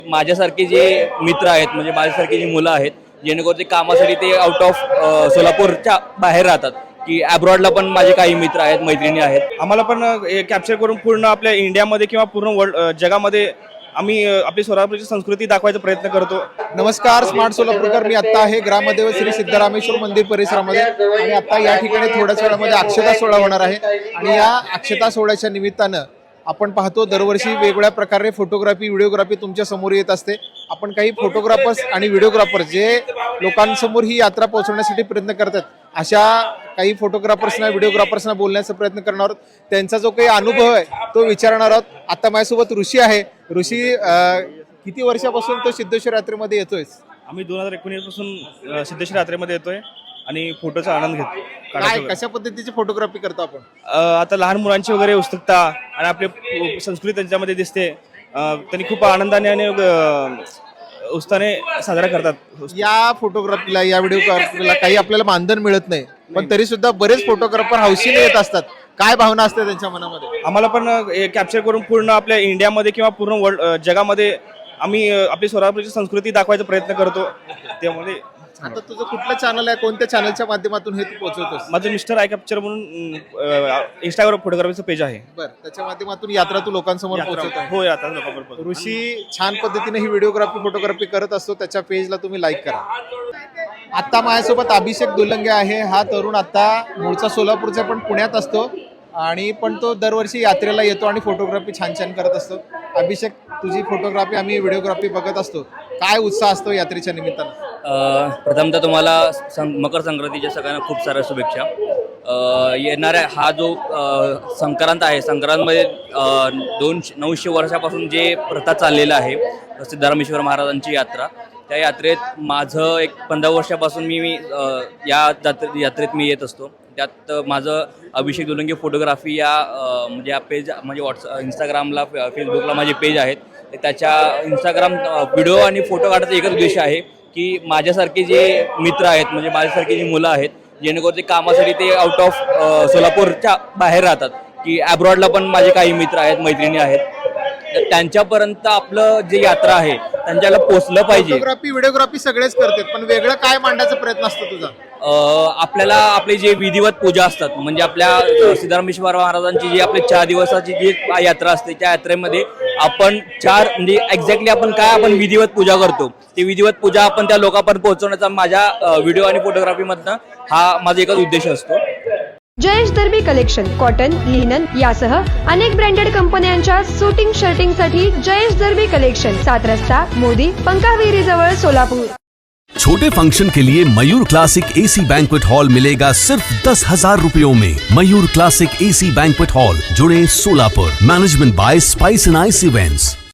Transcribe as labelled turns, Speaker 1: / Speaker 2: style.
Speaker 1: माझ्यासारखे जे मित्र आहेत म्हणजे माझ्यासारखी जी मुलं आहेत जेणेकरून ते कामासाठी ते आउट ऑफ सोलापूरच्या बाहेर राहतात की अब्रॉडला पण माझे काही मित्र आहेत मैत्रिणी आहेत.
Speaker 2: आम्हाला पण कॅप्चर करून पूर्ण आपल्या इंडियामध्ये किंवा पूर्ण वर्ल्ड जगामध्ये आम्ही आपली सोलापूरची संस्कृती दाखवायचा प्रयत्न करतो.
Speaker 3: नमस्कार, स्मार्ट सोलापूरकर. मी आता आहे ग्रामदेव श्री सिद्धरामेश्वर मंदिर परिसरामध्ये आणि आता या ठिकाणी थोड्याच वेळामध्ये अक्षता सोहळा होणार आहे आणि या अक्षता सोहळ्याच्या निमित्तानं आपण पाहतो दरवर्षी वेगवेगळ्या प्रकारे फोटोग्राफी व्हिडिओग्राफी तुमच्या समोर येत असते. आपण काही फोटोग्राफर्स आणि व्हिडिओग्राफर्स जे लोकांसमोर ही यात्रा पोहोचवण्यासाठी प्रयत्न करतात अशा काही फोटोग्राफर्सना व्हिडिओग्राफर्सना बोलण्याचा प्रयत्न करणार आहोत. त्यांचा जो काही अनुभव आहे तो विचारणार आहोत. आता माझ्यासोबत ऋषी आहे. ऋषी, किती वर्षापासून तो सिद्धेश्वर यात्रेमध्ये येतोय?
Speaker 2: आम्ही 2019 पासून सिद्धेश्वर यात्रेमध्ये येतोय आणि फोटोचा आनंद घेतो.
Speaker 3: काय कशा पद्धतीची फोटोग्राफी करतो आपण?
Speaker 2: आता लहान मुलांची वगैरे उत्सुकता आणि आपली संस्कृती त्यांच्यामध्ये दिसते. त्यांनी खूप आनंदाने आणि उत्साहाने साजरा करतात.
Speaker 3: या फोटोग्राफीला या व्हिडिओग्राफीला काही आपल्याला मानधन मिळत नाही, पण तरी सुद्धा बरेच फोटोग्राफर हौशीने येत असतात. काय भावना असते त्यांच्या मनामध्ये?
Speaker 2: आम्हाला पण कॅप्चर करून पूर्ण आपल्या इंडियामध्ये किंवा पूर्ण वर्ल्ड जगामध्ये आम्ही आपली सोलापूरची संस्कृती दाखवायचा प्रयत्न करतो. त्यामध्ये
Speaker 3: आता तुझं कुठलं चॅनल आहे? कोणत्या चॅनलच्या माध्यमातून हे तू पोहोचवतोस?
Speaker 2: माझं मिस्टर आय कॅप्चर म्हणून इंस्टाग्राम फोटोग्राफीचं पेज आहे.
Speaker 3: बरं, त्याच्या माध्यमातून यात्रा तू लोकांसमोर पोहोचवत आहे.
Speaker 2: हो, यात्रा लोकांबरोबर.
Speaker 3: ऋषी छान पद्धतीने ही व्हिडिओग्राफी फोटोग्राफी करत असतो. त्याच्या पेजला तुम्ही लाईक करा. आता माझ्यासोबत अभिषेक दुलंगे आहे. हा तरुण आता मूळचा सोलापूरचा पण पुण्यात असतो आणि पण तो दरवर्षी यात्रेला येतो आणि फोटोग्राफी छान छान करत असतो. अभिषेक, तुझी फोटोग्राफी आम्ही व्हिडिओग्राफी बघत असतो. काय उत्साह असतो यात्रेच्या निमित्तानं?
Speaker 1: प्रथमतः तुम्हाला मकर संक्रांतीच्या सगळ्यांना खूप साऱ्या शुभेच्छा. येणाऱ्या हा जो संक्रांत आहे, संक्रांतमध्ये 900 वर्षापासून जे प्रथा चाललेला आहे सिद्धरामेश्वर महाराजांची यात्रा, त्या यात्रेत माझं एक 15 वर्षापासून मी या यात्रेत मी येत असतो. त्यात माझं अभिषेक दुलंगे फोटोग्राफी या म्हणजे पेज म्हणजे इंस्टाग्रामला फेसबुकला माझे पेज आहेत. त्याच्या इंस्टाग्राम व्हिडिओ आणि फोटो काढायचा एकच उद्देश आहे की माझ्यासारखे जे मित्र आहेत म्हणजे माझ्यासारखी जी मुलं आहेत जेणेकरून ते कामासाठी ते आउट ऑफ सोलापूरच्या बाहेर राहतात की अब्रॉडला पण माझे काही मित्र आहेत मैत्रिणी आहेत. तर त्यांच्यापर्यंत आपलं जे यात्रा आहे त्यांच्याला पोचलं पाहिजे.
Speaker 3: फोटोग्राफी व्हिडिओग्राफी सगळेच करतात, पण वेगळं काय मांडायचा प्रयत्न असतो तुझा?
Speaker 1: आपल्याला आपले जे विधिवत पूजा असतात म्हणजे आपल्या सिद्धरामेश्वर महाराजांची जी आपली 4 दिवसाची जी यात्रा असते त्या यात्रेमध्ये आपण 4 म्हणजे एक्झॅक्टली आपण काय आपण विधिवत पूजा करतो ती विधिवत पूजा आपण त्या लोकांपर्यंत पोहोचवण्याचा माझ्या व्हिडिओ आणि फोटोग्राफीमधनं हा माझा एकच उद्देश असतो.
Speaker 4: Jayesh Darbi collection cotton, linen यासह अनेक ब्रँडेड कंपन्यांच्या सुटिंग शर्टिंगसाठी जयेश दर्बी कलेक्शन, 7 रस्ता मोदी पंकाविरी जवळ सोलापूर.
Speaker 5: छोटे फंक्शन के लिए Mayur classic AC banquet hall मिलेगा सिर्फ 10,000 रुपयों में। Mayur classic AC banquet hall, जुड़े Solapur. Management by spice and ice events.